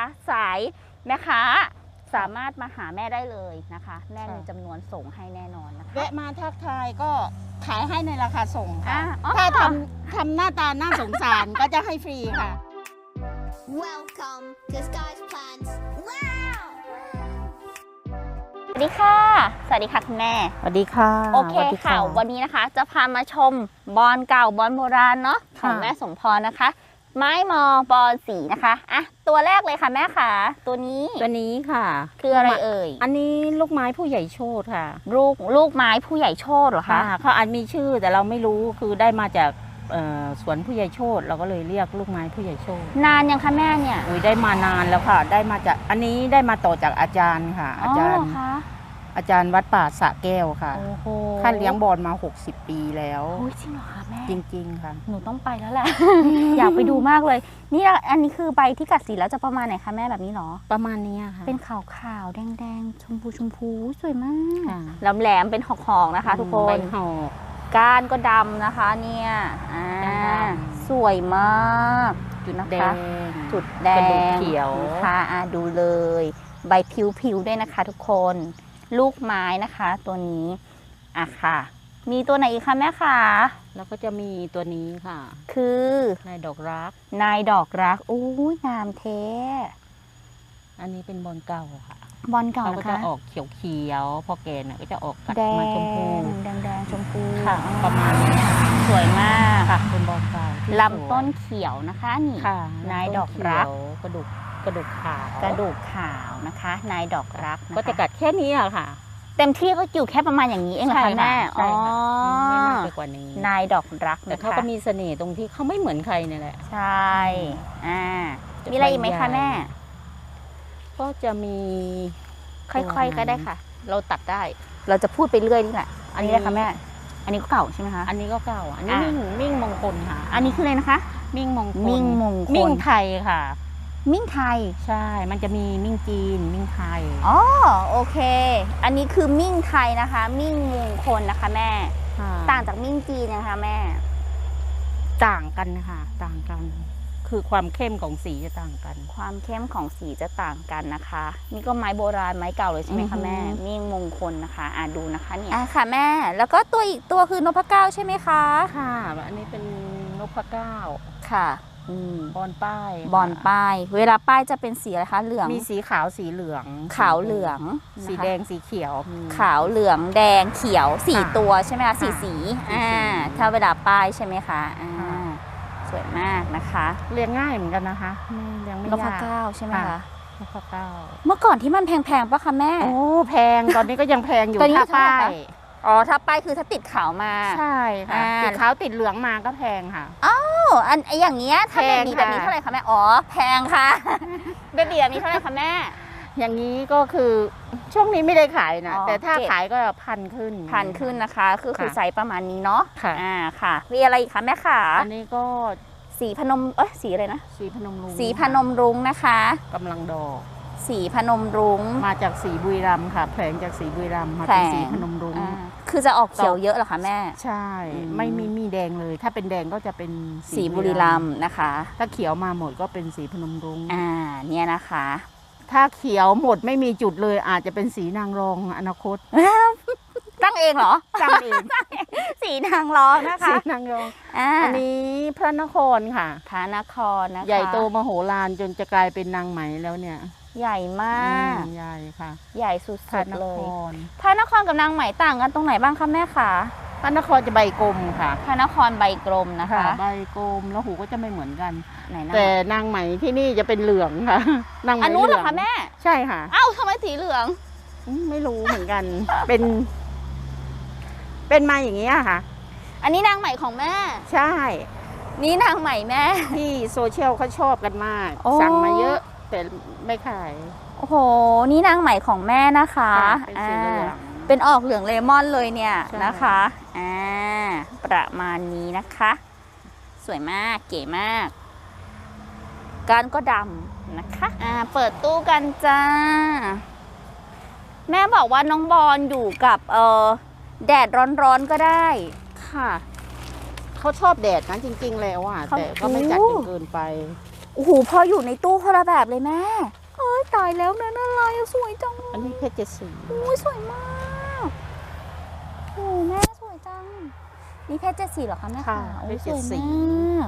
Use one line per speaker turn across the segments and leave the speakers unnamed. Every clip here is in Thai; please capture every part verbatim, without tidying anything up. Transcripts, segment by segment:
สายแม่ค้าสามารถมาหาแม่ได้เลยนะคะแม่มีจำนวนส่งให้แน่นอนนะคะ
แวะมาทักทายก็ขายให้ในราคาส่งค่ะ
อ่ะ
ถ้าทำทำหน้าตาน่าสงสารก็จะให้ฟรีค่ะ
Welcome to Sky's Plants. Wow!
สวัสดีค่ะสวัสดีค่ะคุณแม่
สวัสดีค่ะ
โอเคค่ะวันนี้นะคะจะพามาชมบอนเก่าบอนโบราณเนาะของแม่สมพรนะคะไม้มอบอนสีนะคะอ่ะตัวแรกเลยค่ะแม่ค่ะตัวนี้
ตัวนี้ค่ะ
คืออะไรเอ่ย
อันนี้ลูกไม้ผู้ใหญ่โชติค่ะ
ลูกลูกไม้ผู้ใหญ่โชติเหรอคะ
ค่ะเขาอาจมีชื่อแต่เราไม่รู้คือได้มาจากเอ่อสวนผู้ใหญ่โชติเราก็เลยเรียกลูกไม้ผู้ใหญ่โชติ
นานยังคะแม่เนี่ย
อุ้ยได้มานานแล้วค่ะ ได้มาจากอันนี้ได้มาต่อจากอาจารย์ค่ะ อาจาร
เห
ย์
รอคะ
อาจารย์วัดป่าสระแก้วค่ะ
โอ้โห
ท่านเลี้ยงบอลมาหกสิบปีแล้ว
โอ้ยจริงเหรอคะแม่
จริงๆค่ะ
หนูต้องไปแล้วแหละ อยากไปดูมากเลย นี่อันนี้คือใบที่กัดสีแล้วจะประมาณไหนคะแม่แบบนี้เหรอ
ประมาณนี้ค่ะ
เป็นขาวขาวๆแดงแดงๆชมพูชมพูสวยมาก
ค่ะ
แหลมแหลมๆเป็นหอกๆนะคะ ทุกค
ใบ
น
หอก
ก้านก็ดำนะคะเนี่ยอ่า
ดำ
สวยมากจุดนะ
แด
คะ
ง
จุดแด
กระดูก
ง
เขียว
ค่ะอ่ะดูเลย ใบผิวๆด้วยนะคะ ทุกคน ลูกไม้นะคะ ตัวนี้อ่ะค่ะ มีตัวไหนอีกคะแม่คะ
แล้วก็จะมีตัวนี้ค่ะ
คือ
นายดอกรัก
นายดอกรักอู้ยงามเท
อันนี้เป็นบอลเก่าค่ะ
บอลเก่า
เขาก็
นะ
จะ
คะ
ออกเขียวๆพอแก่น่ะก็จะออกกัด
แด
มาง ชมพู
แดงแดงๆชมพู
ค่ะ ประมาณนี้ค่ะ
สวยมาก
ค่ะเป็นบอลเก่าที่
ลำต้นเขียวนะคะนี่
ค่ะ
นายดอกรัก
กระดูกกระดูกขาว
กระดูกขาวนะคะ นายดอกรักนค
ก็จะกัดแค่นี้อะค่ะ
เต็มที่ก็อยู่แค่ประมาณอย่างนี้เองเหรอคะแม่
ใช่ค่ะ
อ๋อ
ไม่มากไปกว่านี้
นายดอกรัก
แต่
นะ
เขา
คะ
ก็มีเสน่ห์ตรงที่เขาไม่เหมือนใครเนี่ยแหละ
ใช่อ่ามีอะไรอีกไหมคะแม่
ก็จะมี
ค่อยๆก็ได้ค่ะ เราตัดได้ เราจะพูดไปเรื่อยนี่แหละ อันนี้เลยค่ะแม่ อันนี้ก็เก่าใช่ไหมคะ
อันนี้ก็เก่า อันนี้
อ่ะ
มิ่งมิ่งมงคลค่ะ
อันนี้คืออะไรนะคะ
มิ่งมงคล
มิ่งมงคล
มิ่งไทยค่ะ
มิ่งไทย
ใช่ มันจะมีมิ่งจีน มิ่งไทย
อ๋อโอเค อันนี้คือมิ่งไทยนะคะ มิ่งมงคลนะคะแม่
ค่ะ
ต่างจากมิ่งจีนนะคะแม่
ต่างกันค่ะ ต่างกัน คือความเข้มของสีจะต่างกัน
ความเข้มของสีจะต่างกันนะคะ นี่ก็ไม้โบราณไม้เก่าเลยใช่ไหมคะแม่
อือฮึ
มิ่งมงคลนะคะอ่ะดูนะคะเนี่ยอ่ะค่ะแม่ แล้วก็ตัวอีกตัวคือนพเก้าใช่ไหมคะ
ค่ะ อันนี้เป็นนพเก้า
ค่ะอืม
บอลป้าย
บอลป้าย เวลาป้ายจะเป็นสีอะไรคะเหลือง
มีสีขาวสีเหลือง
ขาวเหลือง
สี
นะคะ
แดงสีเขียวมี
ขาวเหลืองแดงเขียวสี่
ค่ะ
ตัวใช่ไหมคะสี่
ค่ะ
สี
สี่
อ่า
สี
ถ้าเวลาป้ายใช่ไหมคะอ่า
ค่ะ
สวยมากนะคะ
เลี้ยงง่ายเหมือนกันนะคะไม่เลี้ยงไม่
นพ
ยาก
เก้าใช่ไหมคะ
ค่ะ นพเก้า
เมื่อก่อนที่มันแพงๆปะคะแม่
โอ้แพงตอนนี้ก็ยังแพงอยู่
ตอนนี้
ถ้า
เท่าไหร่
ป้า
คะ
ย
อ๋อถ้าป้ายคือถ้าติดขาวมา
ใช่ค่ะ
อ่า
ติดขาวติดเหลืองมาก็แพงค่ะ
โอ้อันไออย่างเงี้ยถ้า
แพ
เบ
ง
บี
ค่ะ
แบบนี้เท่าไหร่คะแม่อ๋อแพงค่ะ เบบีแบบนี้เท่าไหร่คะแม่
อย่างนี้ก็คือช่วงนี้ไม่ได้ขายนะ
อ๋อ
แต่ถ้า
เก็บ
ขายก็พันขึ้น
พันขึ้นนะคะคือคือ
ค่ะ
ไซส์ประมาณนี้เนาะ
ค่ะ
อ่าค่ะมีอะไรอีกคะแม่ขา
อันนี้ก็
สีพนมเอ้ยสีอะไรนะ
สีพนมรุ้ง
สีพนมรุ้งนะคะ
กำลังดอก
สีพนมรุ้ง
มาจากสีบุรีรัมย์ค่ะแผลงจากสีบุรีรัมย์มา
แผล
เป็น
ง
สีพนมรุ้ง
อ่าคือจะออกเขียวเยอะเหรอคะแม่
ใช่
อืม
ไม่มีมีแดงเลย ถ้าเป็นแดงก็จะเป็น
สีบุรีรัมย์นะคะ
ถ้าเขียวมาหมดก็เป็นสีพนมรุ้ง
อ่าเนี่ยนะคะ
ถ้าเขียวหมดไม่มีจุดเลยอาจจะเป็นสีนางรองอนาคต
ตั้งเองเหรอ
จำเอง
สีนางร้องนะ
สี
คะ
นางรอง
อ่า
อันนี้พระนครค่ะ
พระนครนะคะ
ใหญ่โตมโหฬารจนจะกลายเป็นนางไหมแล้วเนี่ย
ใหญ่มาก
อืมใหญ่ค่ะ
ใหญ่สุ
พระ
ด
น
ๆเล
ค
ย
ร
พระนครกับนางไหมต่างกันตรงไหนบ้างคะแม่คะ
พระนครจะใบกลมค่ะ
พระนครใบกลมนะคะ
ใบกลมแล้วหูก็จะไม่เหมือนกัน
ไหนนะ
แต่นางไหมที่นี่จะเป็นเหลืองค่ะ นางไหม
อันนู้นเหรอ
ลืง
คะแม่
ใช่ค่ะ
เอ้าทำไมสีเหลือง
อืมไม่รู้เหมือนกัน เป็น เป็นมาอย่างนี้ยค่ะ
อันนี้นางไหมของแม่
ใช่
นี่นางไหมแม่
ที่โซเชียลเขาชอบกันมาก
โอ้
สั่งมาเยอะ แต่ไม่ขาย
โอ้โห นี่นางไหมของแม่นะคะ
ค่ะเป็นสีเหลือง
อ่าเป็นออกเหลืองเลมอนเลยเนี่ย
ใช่
นะคะอ่าประมาณนี้นะคะ สวยมากเก๋มากก้านก็ดำนะคะอ่าเปิดตู้กันจ้า แม่บอกว่าน้องบอลอยู่กับเออแดดร้อนๆก็ได้
ค่ะ เขาชอบแดดนะจริง ๆ แล้วอ่ะ
เขา
แต่ก็ไม่จัดจนเกินไป
โอ้โหพออยู่ในตู้คนละแบบเลยแม่เอ้ยตายแล้วนั่นอะไรอะสวยจัง
อันนี้เพชรเจ็ดสี
โอ้ยสวยมากโอ้แม่สวยจังนี่เพชรเจ็ดสีเหรอคะแม่
ค่ะ
โอ้
เพชร
ส
เจ็ด
วย
สี
มาก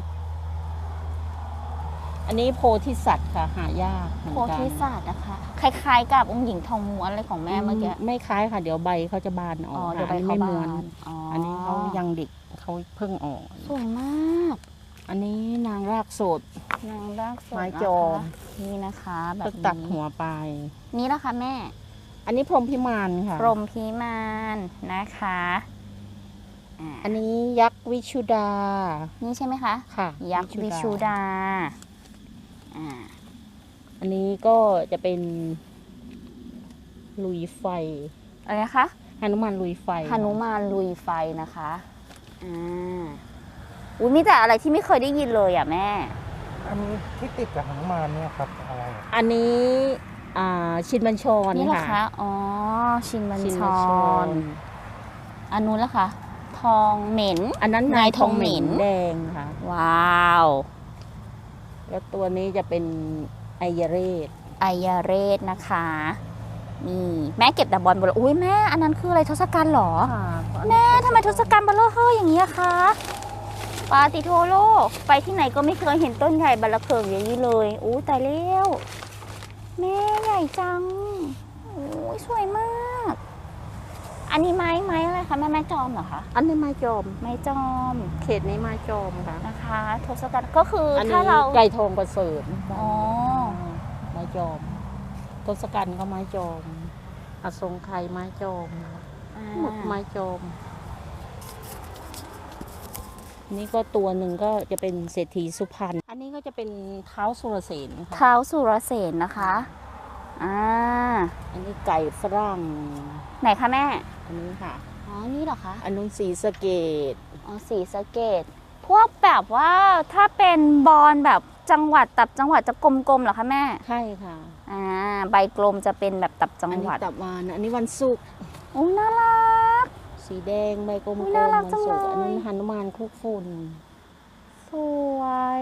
อันนี้โพธิสัตว์ค่ะหายากเหมือน
โพ
กัน
ธิศาสตร์นะคะคล้ายๆกับองค์หญิงทองม้วนอะไรของแม่เมื่อกี้
ไม่คล้ายค่ะ เดี๋ยวใบเขาจะบานอ
อ๋
อ
อก เดี๋ยวไป
อันนี้
เขา
ไม่
บา
ม้วน
นอ๋อ
อั
อั
นนี้เขายังเด็กเขาเพิ่งออก
สวยมาก
อันนี้นางรากสด
นางรากสด
ไม้
นะคะ
จอม
นี่นะคะแบ
เพิ่
บ
งตัด
นี้
หัวไป
นี่นะคะแม่
อันนี้พรหมพิมานค่ะ
พรหมพิมานนะคะอ่า
อันนี้ยักษ์วิชุดา
นี่ใช่ไหมคะ
ค่ะ
ยักษ์วิชุดาอ่า
อันนี้ก็จะเป็นลุยไฟ
อะไรนะคะ
หนุมานลุยไฟ
หนุมานลุยไฟนะคะอ่าอุ้ยมีแต่อะไรที่ไม่เคยได้ยินเลยอ่ะแม่
อันนี้ที่ติดกับหนุมานเนี่ยครับอะไรอะ
อันนี้อ่าชินบัญชร
นี่เหรอ
ค่ะ
คะ อ๋อ ชินบัญ
ชิน
ช
บัญช
ร
ร
อันนู้นละคะทองเหม็น
อันนั้น
นายทองเหม็น
แดงค่ะ
ว้าว
แล้วตัวนี้จะเป็นไอยเรศ
ไอยาเรศนะคะ นี่แม่เก็บแต่บอลบอลอุ้ยแม่อันนั้นคืออะไรทศกัณฐ์เหรอ แม่ทำไมทศกัณฐ์เบลเลอร์เฮ้ยอย่างนี้อะคะปาติโทโลไปที่ไหนก็ไม่เคยเห็นต้นใหญ่บัลลเคิงอย่างนี้เลยอู้ตายแล้วแม่ใหญ่จังโอ้ยสวยมาก อันนี้ไม้ไม้อะไรคะแม่ไม้จอมเหรอคะ
อันนี้ไม้จอม
ไม้จอม
เขตนี้ไม้จอมค่ะ
นะคะทศกัณฐ์ก็คืออ
อัน
ถ้า
นี้
เรา
ไก่ทองประเสริฐ
อ๋อ
ไม้จอมทศกัณฐ์ก็ไม้จอมอสงไขยไม้จอม
อ่า
หมดไม้จอม นี่ก็ตัวหนึ่งก็จะเป็นเศรษฐีสุพรรณ อันนี้ก็จะเป็นเท้าสุรเสนค่ะ
เท้าสุรเสนนะคะอ่า
อันนี้ไก่ฝรั่ง
ไหนคะแม่
อันนี้ค่ะ
อ๋อนี่เหรอคะ
อันนู้นสีสะเกต
อ๋อสีสะเกตพวกแบบว่าถ้าเป็นบอลแบบจังหวัดตับจังหวัดจะกลมๆเหรอคะแม่
ใช่ค่ะ
อ่าใบกลมจะเป็นแบบตับจัง
อัน
ห
นี้
วัด
ตับวาน อันนี้วันศุกร์
โอ้น่ารัก
สีแดงใบกลม
อุ๊ย
ๆ
น่ารั
วั
ก
น
จัง
ศุกร์
เลย
อันนี้หนุมานคุกฝุ่น
สวย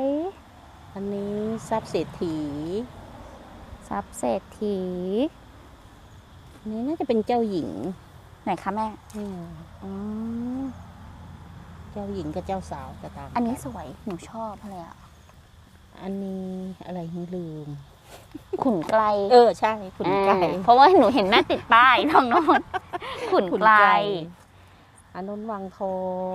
อันนี้ทรัพย์เศรษฐี
ทรัพย์เศรษฐี
อันนี้น่าจะเป็นเจ้าหญิง
ไหนคะแม่
นี่
อืม
เจ้าหญิงกับเจ้าสาวจะตาม
อันนี้สวยหนูชอบเลยอ่ะ
อันนี้อะไรไม่ลืม
ขุนไกล
เออใช่ขุนไก่
อ่าเพราะว่าหนูเห็นแม่ติดป้ายทางโน้นขุนไกล
อันนู้นวังทอง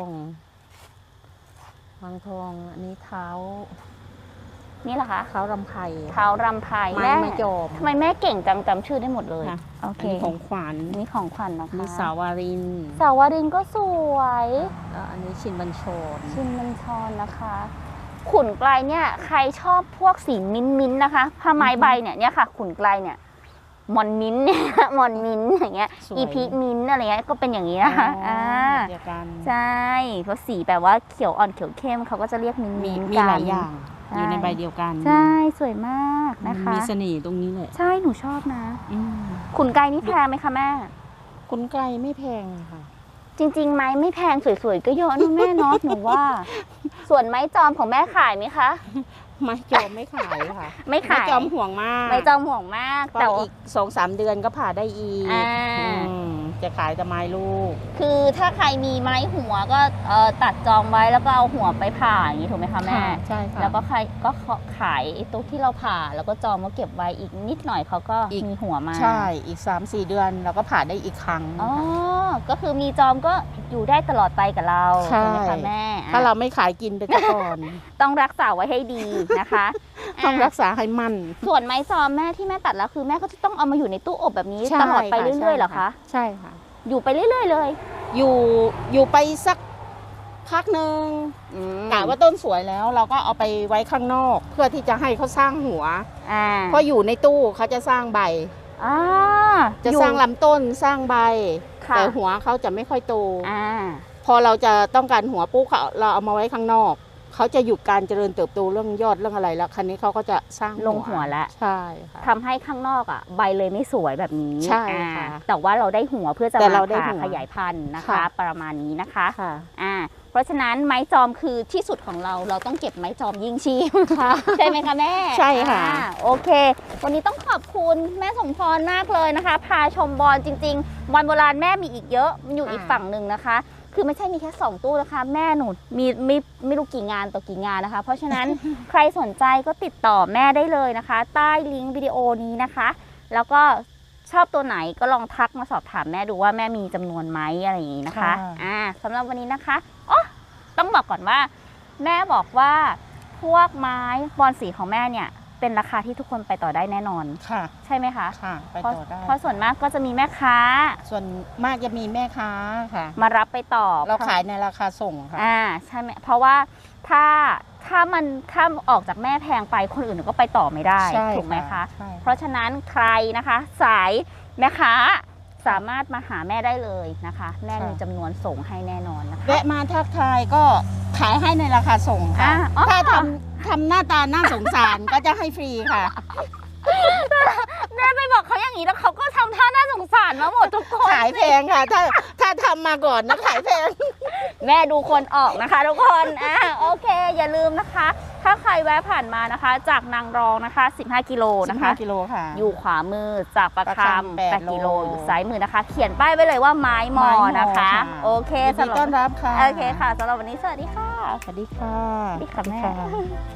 วังทอง อันนี้เท้า
นี่เหรอคะ
เท้ารำไพ
เท้ารำไพ
ไม้
แม่
ไม้จอม
ทำไมแม่เก่งจังจำชื่อได้หมดเลย
ค่ะ
โอ
อั
เคน
นี้ของขวัญ
อันนี่ของขวัญนะคะ
นี่สาวาริน
สาวรินก็สวย
แล้วอันนี้ชินบัญชร
ชินบัญชรนะคะ ขุนไกลเนี่ยใครชอบพวกสีมิ้นท์มิ้นท์นะคะผ้าไม้ใบเนี่ยเนี่ยค่ะ ขุนไกลเนี่ยมอนมิ้นท์เนี่ย มอนมิ้นท์อย่างเงี้ย
สวย
อีพีมิ้นท์อะไรเงี้ยก็เป็นอย่างนี้นะคะ
อ๋อ
อ่า
เดียวกัน
ใช่เพราะสีแบบว่าเขียวอ่อนเขียวเข้มเขาก็จะเรียกมิ้นท์
มี
มิ้นท์
มี
กัน
หลายอย่าง
ใช่
อยู่ในใบเดียวกัน
ใช่สวยมากนะคะ
มีเสน่ห์ตรงนี้เลย
ใช่หนูชอบนะ
อืม
ขุนไกลนี่แพงไหมคะแม่
ขุนไก่ไม่แพงค่ะ
จริงๆ ไม้ไม่แพงสวยๆ ก็เยอะนะแม่เนาะ หนูว่า ส่วนไม้จอมของแม่ขายไหมคะ
ไม้จอมไม่ขายค่ะ
ไม่ขาย
จอมห่วงมาก
ไม้จอมห่วงมาก
เพราะ
แต่ว่า
อีกสองสามเดือนก็ผ่าได้อีก
อ่า
อืมจะขายแต่ไม้ลูก
คือถ้าใครมีไม้หัวก็เอ่อตัดจองไว้แล้วก็เอาหัวไปผ่าอย่างนี้ถูกไหมคะแม่
ใช่ค่ะ
แล้วก็ใครก็ขายไอ้ตัวที่เราผ่าแล้วก็จองมาเก็บไว้อีกนิดหน่อยเขาก็
อีก
มีหัวมา
ใช่อีกสามสี่เดือนเราก็ผ่าได้อีกครั้ง
อ๋อ ก็คือมีจอมก็อยู่ได้ตลอดไปกับเรา
ใช่
ไหมคะแม่อ่ะ
ถ้าเราไม่ขายกินไปซะก่อน
ต้องรักษาไว้ให้ดีนะคะ
ต้อง
อ่ะ
รักษาให้มั่น
ส่วนไม้จอมแม่ที่แม่ตัดแล้วคือแม่ก็จะต้องเอามาอยู่ในตู้อบแบบนี้
ใช่
ตลอดไป
ค่ะ
เรื่อยๆเหรอคะ
ใช่ค่ะ
อยู่ไปเรื่อยๆเลย
อยู่อยู่ไปสักพักหนึ่งกะว่าต้นสวยแล้ว เราก็เอาไปไว้ข้างนอก เพื่อที่จะให้เขาสร้างหัว
อ่า
เพราะอยู่ในตู้เขาจะสร้างใบ
อ่า
จะ
อยู่
สร้างลำต้นสร้างใบ
ค่ะ
แต่หัวเขาจะไม่ค่อยโต
อ่า
พอเราจะต้องการหัวปุ๊บเขาเราเอามาไว้ข้างนอก เขาจะหยุดการเจริญเติบโตเรื่องยอดเรื่องอะไรแล้วคันนี้เขาก็จะสร้าง
ลงหัวแล้ว
ใช่ค่ะ
ทำให้ข้างนอกอ่ะใบเลยไม่สวยแบบนี้
ใช่
อ่า
ค่ะ
แต่ว่าเราได้หัวเพื่อจะ
แต่
มา
เราได้
ผ่า
หัว
ขยายพันธุ์นะคะ
ค่ะ
ประมาณนี้นะคะ
ค่ะ
อ่าราะฉะนั้นไม้จอมคือที่สุดของเราเราต้องเก็บไม้จอมยิ่งชีพใช่ไหมคะแม่
ใช่ค่ะ
อ่าโอเค วันนี้ต้องขอบคุณแม่สมพรมากเลยนะคะ พาชมบอลจริงๆบอลโบราณแม่มีอีกเยอะมันอยู่อีกฝั่งหนึ่งนะคะ คือไม่ใช่มีแค่สองตู้นะคะ แม่หนูมีไม่ไม่รู้กี่งานต่อกี่งานนะคะ เพราะฉะนั้น ใครสนใจก็ติดต่อแม่ได้เลยนะคะ ใต้ลิงก์วิดีโอนี้นะคะ แล้วก็ชอบตัวไหนก็ลองทักมาสอบถามแม่ดูว่าแม่มีจำนวนไหมอะไรอย่างนี้นะคะ
ค่ะ
อ่าสำหรับวันนี้นะคะอ๋อต้องบอกก่อนว่า แม่บอกว่าพวกไม้บอลสีของแม่เนี่ยเป็นราคาที่ทุกคนไปต่อได้แน่นอน
ค่ะ
ใช่ไหมคะ
ค่ะ ไป
เพราะ
ต่อได้
เพราะส่วนมากก็จะมีแม่ค้า
ส่วนมากจะมีแม่ค้าค่ะ
มารับไปต่อ
เราขายในราคาส่งค่ะ
อ่าใช่ไหมเพราะว่าถ้าถ้ามันถ้าออกจากแม่แพงไปคนอื่นก็ไปต่อไม่ได้
ใช่
ถูกไหมคะ
ใช่
เพราะฉะนั้นใครนะคะ สายแม่ค้าสามารถมาหาแม่ได้เลยนะคะ แม่มีจำนวนส่งให้แน่นอนนะคะ
แวะมาทักทายก็ขายให้ในราคาส่งค่ะ
อ่าอ๋อ
ถ้าทำทำหน้าตาน่าสงสาร ก็จะให้ฟรีค่ะ
แม่ไปบอกเขาอย่างนี้แล้วเขาก็ทำท่าน่าสงสารมาหมดทุกคน
ขายแพงค่ะ ถ้าถ้าทำมาก่อนนะขายแพง
แม่ดูคนออกนะคะทุกคนอ่าโอเค อย่าลืมนะคะ ถ้าใครแวะผ่านมานะคะ จากนางรองนะคะสิบห้ากิโลนะคะ
กิโลค่ะ
อยู่ขวามือจากประ
ประ
ค
คำ
ำ
แปด
แปดกิโล
โล
อยู่ซ้ายมือนะคะ เขียนป้ายไว้เลยว่าไม้มอ
ไม้มอ
นะคะ
ค่ะ
โอเค
ยินดี
สำหรับ
ต้อนรับค่ะ
โอเคค่ะสำหรับวันนี้สวัสดีค่ะ
สวัสดีค่ะ
สวัสดีค่ะแม่